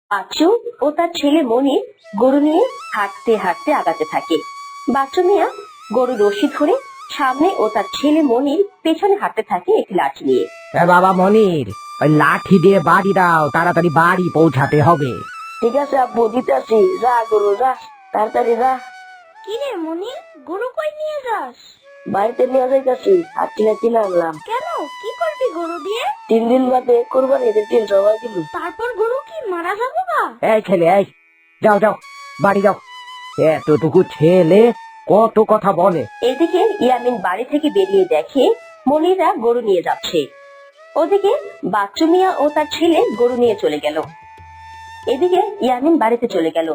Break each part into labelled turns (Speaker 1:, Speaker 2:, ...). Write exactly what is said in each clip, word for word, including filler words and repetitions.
Speaker 1: বাচ্চু ও তার ছেলে মনি গরু নিয়ে হাঁটতে হাঁটতে আগাতে থাকে। বাচ্চু মিয়া গরু রশি ধরে সামনে ও তার ছেলে মনির পেছনে হাঁটতে থাকে একটি লাঠি নিয়ে।
Speaker 2: বাবা মনির, ওই লাঠি দিয়ে বাড়ি দাও, তাড়াতাড়ি বাড়ি পৌঁছাতে হবে।
Speaker 3: ঠিক আছে আব্বু, দিতেছি। যা গরু যা, তাড়াতাড়ি যা।
Speaker 4: কি রে মনির, গরু কই নিয়ে যাস?
Speaker 3: বাড়িতে নিয়ে যাইতেছি, হাঁটতে হাঁটতে নামলাম।
Speaker 4: কেন, কি করবি গরু দিয়ে?
Speaker 3: তিন দিন বাদে কোরবানি ঈদের দিন সবাই দিব।
Speaker 4: তারপর গরু কি মারা যাবে বা?
Speaker 2: এই ছেলে, এই যাও যাও, বাড়ি যাও। এতটুকু ছেলে কত কথা বলে।
Speaker 1: এদিকে ইয়ামিন বাড়ি থেকে বেরিয়ে দেখে মনিরা গরু নিয়ে যাচ্ছে। ওদিকে বাচ্চু মিয়া ও তার ছেলে গরু নিয়ে চলে গেল। এদিকে ইয়ামিন বাড়িতে চলে গেল।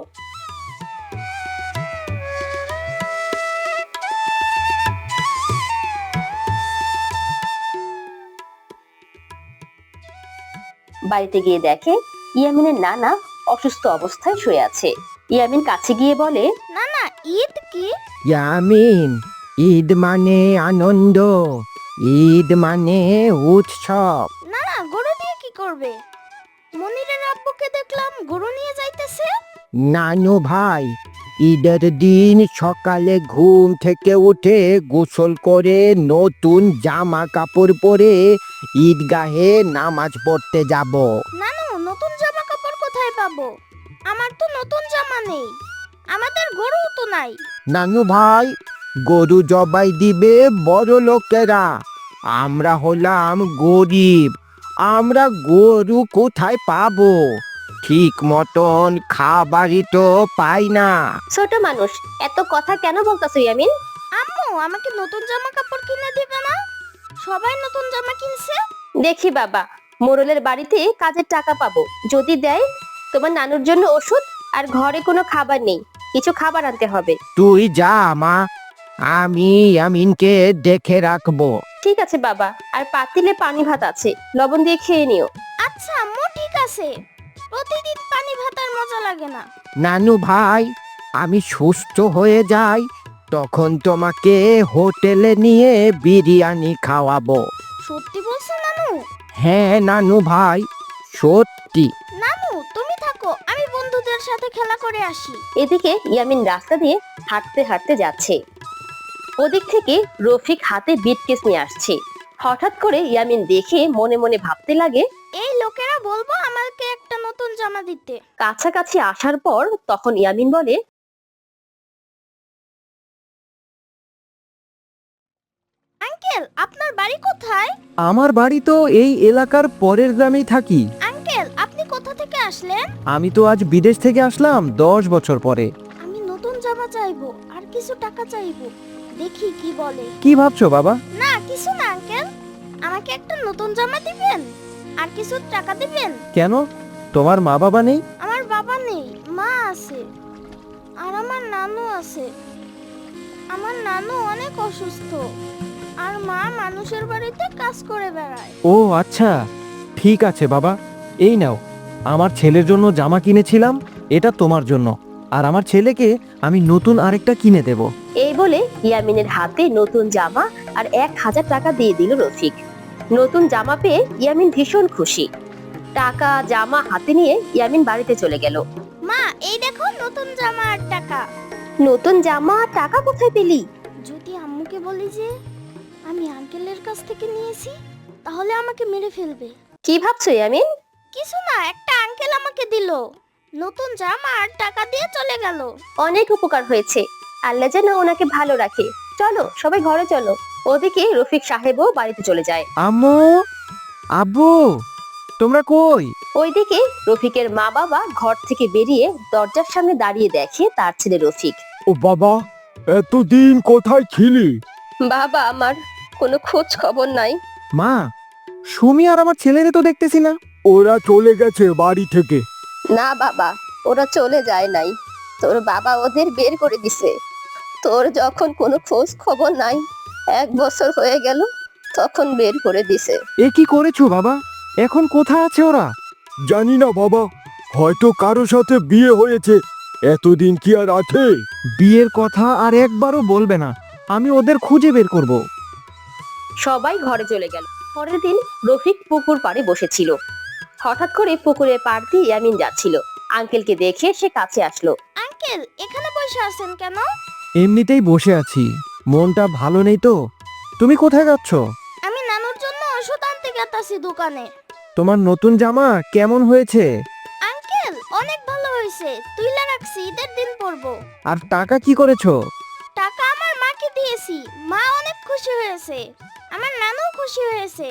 Speaker 1: বাড়িতে গিয়ে দেখে ইয়ামিনের নানা অসুস্থ অবস্থায় শুয়ে আছে। ইয়ামিন কাছে গিয়ে বলে,
Speaker 4: না না, ঈদ কি?
Speaker 2: ইয়ামিন, ঈদ মানে আনন্দ, ঈদ মানে উৎসব।
Speaker 4: না না, গরু দিয়ে কি করবে? মনিরের আব্বুকে দেখলাম গরু নিয়ে যাইতেছে।
Speaker 2: নানু ভাই, ঈদের দিন সকালে ঘুম থেকে উঠে গোসল করে নতুন জামা কাপড় পরে ঈদগাহে নামাজ পড়তে যাব।
Speaker 4: নানু, নতুন জামা কাপড় কোথায় পাবো? আমার তো নতুন জামা নেই, আমাদের গরুও তো নাই।
Speaker 2: নানু ভাই, গরু জবাই দিবে বড় লোকেরা, আমরা হলাম গরিব, আমরা গরু কোথায় পাবো? ঠিক মতন খাবারই তো পাই না।
Speaker 1: ছোট মানুষ এত কথা কেন বলতাছো ইয়ামিন?
Speaker 4: আম্মু, আমাকে নতুন জামা কাপড় কিনে দিবে না? সবাই নতুন জামা কিনছে।
Speaker 1: দেখি বাবা, মোড়লের বাড়িতে কাজের টাকা পাবো, যদি দেয় তোমার নানুর জন্য ওষুধ, আর ঘরে কোনো খাবার নেই, কিছু খাবার আনতে হবে।
Speaker 2: তুই যা মা, আমি আমিনকে দেখে রাখবো।
Speaker 1: ঠিক আছে বাবা, আর পাতিলে পানি ভাত আছে, লবণ দিয়ে খেয়ে নিও।
Speaker 4: আচ্ছা আম্মু, ঠিক আছে। প্রতিদিন পানি ভাত আর মজা লাগে না।
Speaker 2: নানু ভাই, আমি সুস্থ হয়ে যাই তখন তোমাকে হোটেলে নিয়ে বিরিয়ানি খাওয়াবো।
Speaker 4: সত্যি বলছো নানু?
Speaker 2: হ্যাঁ নানু ভাই, সত্যি।
Speaker 4: নানু তুমি থাকো, আমি বন্ধুদের সাথে খেলা করে আসি।
Speaker 1: এদিকে ইয়ামিন রাস্তা দিয়ে হাঁটতে হাঁটতে যাচ্ছে। ওদিক থেকে রফিক হাতে বিটকেস নিয়ে আসছে। হঠাৎ করে ইয়ামিন দেখে মনে মনে ভাবতে লাগে,
Speaker 4: এই লোকেরা বলবো আমাকে একটা নতুন জামা দিতে।
Speaker 1: কাছাকাছি আসার পর তখন ইয়ামিন বলে,
Speaker 4: আঙ্কেল, আপনার বাড়ি কোথায়?
Speaker 5: আমার বাড়ি তো এই এলাকার পরের গ্রামেই থাকি।
Speaker 4: আঙ্কেল, আপনি কোথা থেকে আসলেন?
Speaker 5: আমি তো আজ বিদেশ থেকে আসলাম দশ বছর পরে।
Speaker 4: আমি নতুন জামা চাইবো আর কিছু টাকা চাইবো, দেখি কি বলে।
Speaker 5: কি ভাবছো বাবা?
Speaker 4: না কিছু না আঙ্কেল, আমাকে একটা নতুন জামা দিবেন আর কিছু টাকা দিবেন।
Speaker 5: কেন, তোমার মা বাবা নেই?
Speaker 4: আমার বাবা নেই, মা আছে, আর আমার নানু আছে। আমার নানু অনেক অসুস্থ, আর মা মানুষের বাড়িতে কাজ করে বেড়ায়।
Speaker 5: ও আচ্ছা, ঠিক আছে বাবা, এই নাও, আমার ছেলের জন্য জামা কিনেছিলাম, এটা তোমার জন্য, আর আমার ছেলেকে আমি নতুন আরেকটা কিনে দেব।
Speaker 1: এই বলে ইয়ামিনের হাতে নতুন জামা আর এক হাজার টাকা দিয়ে দিল রফিক। নতুন জামা পেয়ে ইয়ামিন ভীষণ খুশি। টাকা জামা হাতে নিয়ে ইয়ামিন বাড়িতে চলে গেল।
Speaker 4: মা, এই দেখো নতুন জামা আর টাকা।
Speaker 1: নতুন জামা আর টাকা কোথায় পেলি?
Speaker 4: যদি আম্মুকে বলি যে আমি আঙ্কেলের কাছ থেকে নিয়েছি, তাহলে আমাকে মেরে ফেলবে।
Speaker 1: কি ভাবছো ইয়ামিন?
Speaker 4: কিছু না, একটা আঙ্কেল আমাকে দিল নতুন জামা আর টাকা দিয়ে চলে গেল।
Speaker 1: অনেক উপকার হয়েছে, আল্লাহ যেন ওনাকে ভালো রাখে। চলো সবাই ঘরে চলো। ওদিকে রফিক সাহেবও বাড়িতে চলে যায়।
Speaker 5: আম্মু, আব্বু, তোমরা কই?
Speaker 1: ওইদিকে রফিকের মা বাবা ঘর থেকে বেরিয়ে দরজার সামনে দাঁড়িয়ে দেখে তার ছেলে রফিক।
Speaker 2: ও বাবা, এতদিন কোথায় ছিলি?
Speaker 1: বাবা আমার কোনো খোঁজ খবর নাই।
Speaker 5: মা, সুমি আর আমার ছেলেরে তো দেখতেছি না।
Speaker 2: ওরা চলে গেছে বাড়ি থেকে।
Speaker 1: না বাবা, ওরা চলে যায় নাই, তোর বাবা ওদের বের করে দিছে। তোর যখন কোনো খোঁজ খবর নাই, এক বছর হয়ে গেল, তখন বের করে দিছে।
Speaker 5: এ কি করেছো বাবা? এখন কোথায় আছে ওরা?
Speaker 2: জানি না বাবা, হয়তো কারো সাথে বিয়ে হয়েছে, এতদিন কি আর আছে?
Speaker 5: বিয়ের কথা আর একবারও বলবে না, আমি ওদের খুঁজে বের করব।
Speaker 1: সবাই ঘরে চলে গেল। পরের দিন রফিক পুকুর পাড়ে বসেছিল। হঠাৎ করে পুকুরের পাড় দিয়ে ইয়ামিন যাচ্ছিল। আঙ্কেলকে দেখে সে কাছে আসলো।
Speaker 4: আঙ্কেল এখানে বসে আছেন কেন?
Speaker 5: এমনিতেই বসে আছি, মনটা ভালো নেই তো। তুমি কোথায় যাচ্ছ?
Speaker 4: আমি নানুর জন্য ওষুধ আনতে গেতাছি দোকানে।
Speaker 5: তোমার নতুন জামা কেমন হয়েছে?
Speaker 4: আঙ্কেল অনেক ভালো হয়েছে, তুইলা রাখছি, ঈদের দিন পরবো।
Speaker 5: আর টাকা কি করেছো?
Speaker 4: টাকা আমার মাকে দিয়েছি, মা অনেক খুশি হয়েছে, আমার নানু খুশি হয়েছে।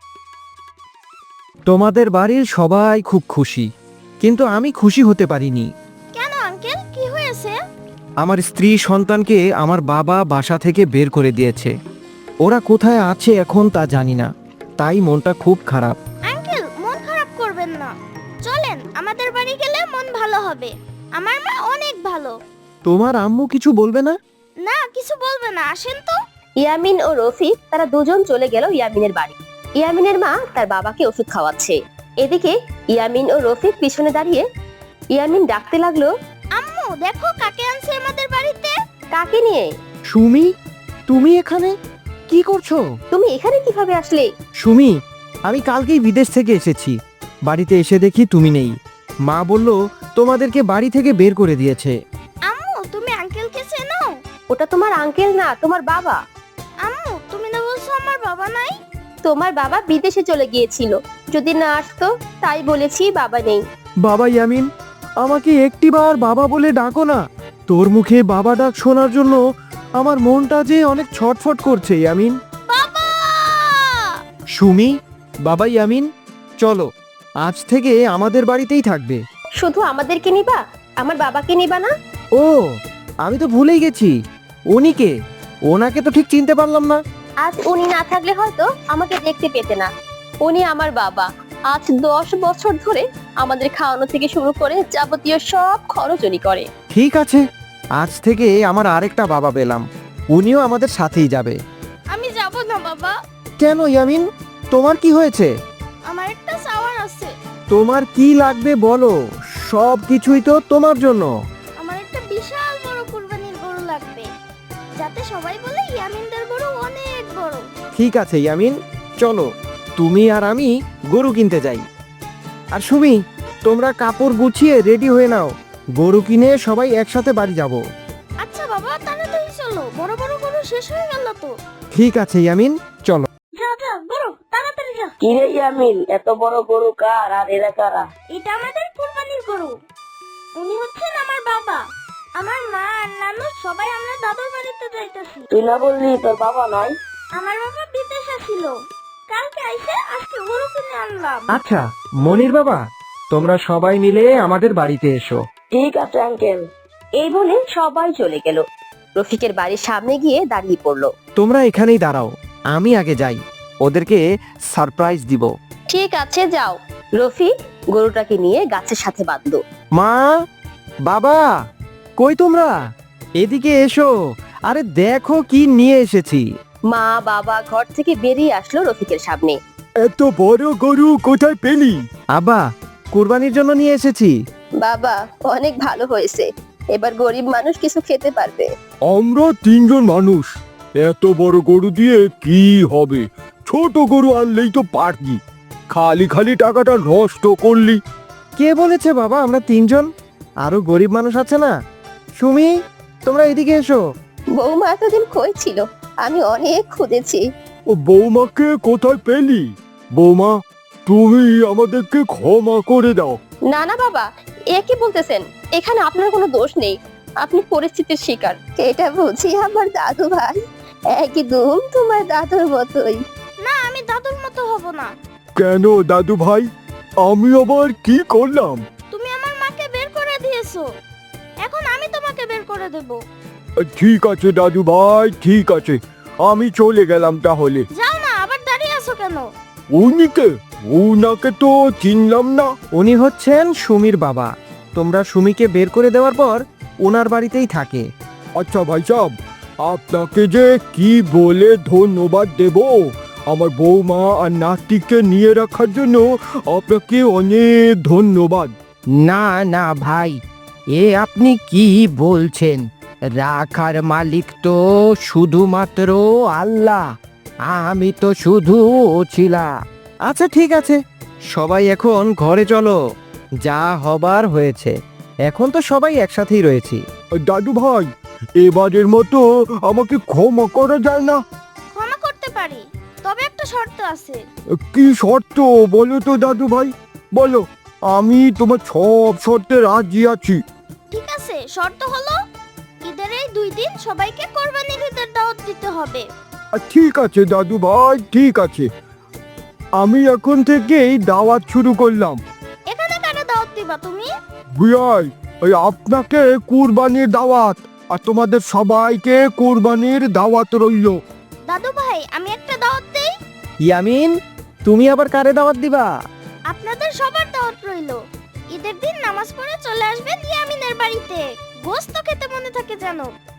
Speaker 5: তোমাদের বাড়ির সবাই খুব খুশি, কিন্তু আমি খুশি হতে পারিনি।
Speaker 4: কেন আঙ্কেল, কি হয়েছে?
Speaker 5: আমার স্ত্রী সন্তানকে আমার বাবা বাসা থেকে বের করে দিয়েছে। ওরা কোথায় আছে এখন তা জানি না, তাই মনটা খুব খারাপ।
Speaker 4: আঙ্কেল মন খারাপ করবেন না, চলেন আমাদের বাড়ি গেলে মন ভালো হবে। আমার মা অনেক ভালো।
Speaker 5: তোমার আম্মু কিছু বলবে না?
Speaker 4: না, কিছু বলবে না, আসেন তো।
Speaker 1: ইয়ামিন ও রফিক তারা দুজন চলে গেল ইয়ামিনের বাড়ি। ইয়ামিনের মা তার বাবাকে ওষুধ খাওয়াচ্ছে। এদিকে ইয়ামিন ও রফিক পিছনে দাঁড়িয়ে ইয়ামিন ডাকতে লাগলো,
Speaker 4: আম্মু দেখো কাকে আনছে আমাদের বাড়িতে।
Speaker 1: কাকে নিয়ে?
Speaker 5: সুমি, তুমি এখানে কি করছো?
Speaker 1: তুমি এখানে কিভাবে আসলে?
Speaker 5: সুমি, আমি কালকেই বিদেশ থেকে এসেছি। বাড়িতে এসে দেখি তুমি নেই। মা বলল তোমাদেরকে বাড়ি থেকে বের করে দিয়েছে।
Speaker 4: আম্মু তুমি আঙ্কেলকে চেনো?
Speaker 1: ওটা তোমার আঙ্কেল না, তোমার বাবা।
Speaker 4: আম্মু তুমি না বলছো আমার বাবা নাই?
Speaker 1: তোমার বাবা বিদেশে চলে গিয়েছিল, যদি না আসতো তাই বলেছি বাবা নেই।
Speaker 5: বাবা ইয়ামিন, আমাকে একটিবার বাবা বলে ডাকো না। তোর মুখে বাবা ডাক শোনার জন্য আমার মনটা যে অনেক ছটফট করছে ইয়ামিন।
Speaker 4: বাবা!
Speaker 5: সুমি, বাবা ইয়ামিন, চলো আজ থেকে আমাদের বাড়িতেই থাকবে।
Speaker 1: শুধু আমাদেরকে নিবা, আমার বাবাকে নিবা না?
Speaker 5: ও, আমি তো ভুলেই গেছি। উনি কে? ওনাকে তো ঠিক চিনতে পারলাম না।
Speaker 1: আজ উনি না থাকলে হয়তো আমাকে দেখতে পেতে না। উনি আমার বাবা। আজ দশ বছর ধরে আমাদের খাওয়ানো থেকে শুরু করে যাবতীয় সব খরচ উনি করে।
Speaker 5: ঠিক আছে, আজ থেকে আমার আরেকটা বাবা পেলাম, উনিও আমাদের সাথেই যাবে।
Speaker 4: আমি যাব না বাবা।
Speaker 5: কেন ইয়ামিন, তোমার কি হয়েছে?
Speaker 4: আমার একটা চাওয়ার আছে।
Speaker 5: তোমার কি লাগবে বলো, সব কিছুই তো তোমার জন্য।
Speaker 4: আমার একটা বিশাল বড় কুরবানির গরু লাগবে, যাতে সবাই বলে ইয়ামিনদের গরু অনেক বড়।
Speaker 5: ঠিক আছে ইয়ামিন, চলো তুমি আর আমি গরু কিনতে যাই। আর সুমি, তোমরা কাপড় গুছিয়ে রেডি হয়ে নাও, গরু কিনে সবাই একসাথে বাড়ি যাব।
Speaker 4: আচ্ছা বাবা, তাড়াতাড়ি চলো, বড় বড় গরু শেষ হয়ে গেল তো।
Speaker 5: ঠিক আছে ইয়ামিন, চলো।
Speaker 4: যা যা গরু, তাড়াতাড়ি যা।
Speaker 3: কি রে ইয়ামিন, এত বড় গরু কার আর এরা কারা?
Speaker 4: এটা আমাদের কুরবানির গরু। উনি হচ্ছেন আমার বাবা। আমার মা আর নানু সবাই আমরা দাদুর বাড়িতে যাইতেছি।
Speaker 3: তুই না বললি তোর বাবা নাই?
Speaker 4: আমার বাবা বিদেশে ছিল, কালকে আইসে আজকে গরু কিনে আনলাম।
Speaker 5: আচ্ছা মনির বাবা, তোমরা সবাই মিলে আমাদের বাড়িতে এসো।
Speaker 3: ঠিক আছে আঙ্কেল।
Speaker 1: এই বলে সবাই চলে গেল। রফিকের বাড়ির সামনে গিয়ে দাঁড়িয়ে পড়লো।
Speaker 5: তোমরা এখানেই দাঁড়াও, আমি আগে যাই, ওদেরকে সারপ্রাইজ দিব।
Speaker 1: ঠিক আছে যাও। রফিক গরুটাকে নিয়ে গাছের সাথে বাঁধলো।
Speaker 5: মা, বাবা, কই তোমরা? এদিকে এসো, আরে দেখো কি নিয়ে এসেছি।
Speaker 1: মা বাবা ঘর থেকে বেরিয়ে আসলো রফিকের সামনে।
Speaker 5: এত বড় গরু কোথায় পেলি? আব্বা, কুরবানির জন্য নিয়ে এসেছি।
Speaker 1: বাবা অনেক ভালো হয়েছে, এবার গরিব মানুষ কিছু খেতে পারবে।
Speaker 6: আমরা তিনজন মানুষ, এত বড় গরু দিয়ে কি হবে? ছোট গরু আনলেই তো পারতি, খালি খালি টাকাটা নষ্ট করলি।
Speaker 5: কে বলেছে বাবা আমরা তিনজন? আরো গরিব মানুষ আছে না। সুমি, তোমরা এদিকে এসো।
Speaker 1: বৌমা এতদিন কই ছিল, আমি অনেক খুঁজেছি।
Speaker 6: ও বৌমাকে কোথায় পেলি? বৌমা, তুমি আমাদেরকে ক্ষমা করে দাও।
Speaker 1: না না বাবা, এ কি বলতেছেন? এখানে আপনার কোনো দোষ নেই, আপনি পরিস্থিতির শিকার। এটা বুঝি আমার দাদু ভাই, একদম তোমার দাদুর মতোই।
Speaker 4: না, আমি দাদুর মতো হব না।
Speaker 6: কেন দাদু ভাই, আমি আবার কি করলাম?
Speaker 4: তুমি আমার মাকে বের করে দিয়েছো, এখন আমি তোমাকে বের করে দেব।
Speaker 6: ঠিক আছে দাদু ভাই, ঠিক আছে, আমি চলে গেলাম তাহলে।
Speaker 4: যাও না, আবার দাঁড়িয়ে আছো কেন?
Speaker 6: উনিকে, উনাকে তো চিনলাম না।
Speaker 5: উনি হচ্ছেন সুমির বাবা। তোমরা সুমিকে বের করে দেওয়ার পর ওনার বাড়িতেই থাকে।
Speaker 6: আচ্ছা ভাই সাহেব, আপনাকে যে কি বলে ধন্যবাদ দেব, আমার বৌমা আর নাতিকে নিয়ে রাখার জন্য আপনাকে অনেক ধন্যবাদ।
Speaker 2: না না ভাই, এ আপনি কি বলছেন? রাখার মালিক তো শুধুমাত্র আল্লাহ, আমি তো শুধু ছিলাম।
Speaker 5: আচ্ছা ঠিক আছে, সবাই এখন ঘরে চলো, যা হবার হয়েছে, এখন তো সবাই একসাথেই রয়েছি।
Speaker 6: দাদু ভাই, এবারের মতো আমাকে ক্ষমা করা যায় না?
Speaker 4: ক্ষমা করতে পারি, তবে একটা শর্ত আছে।
Speaker 6: কি শর্ত বলো তো দাদু ভাই, বলো। আমি তোমার সব শর্তে রাজি আছি।
Speaker 4: ঠিক আছে, শর্ত হলো ঈদের এই দুই দিন সবাইকে কোরবানির ঈদের দাওয়াত দিতে হবে।
Speaker 6: আর ঠিক আছে দাদু ভাই, ঠিক আছে। আমি এখন থেকেই দাওয়াত শুরু করলাম।
Speaker 4: এখানে কারা দাওয়াত দিবা তুমি?
Speaker 6: বিয়াই, ওই আপনাকে কুরবানির দাওয়াত, আর তোমাদের সবাইকে কুরবানির দাওয়াত রইল।
Speaker 4: দাদু ভাই, আমি একটা দাওয়াত দেই।
Speaker 5: ইয়ামিন, তুমি আবার কারে দাওয়াত দিবা?
Speaker 4: আপনাদের সবার দাওয়াত রইলো। ঈদের দিন নামাজ পড়ে চলে আসবেন ইয়ামিনের বাড়িতে। গোশত খেতে মনে থাকে যেন।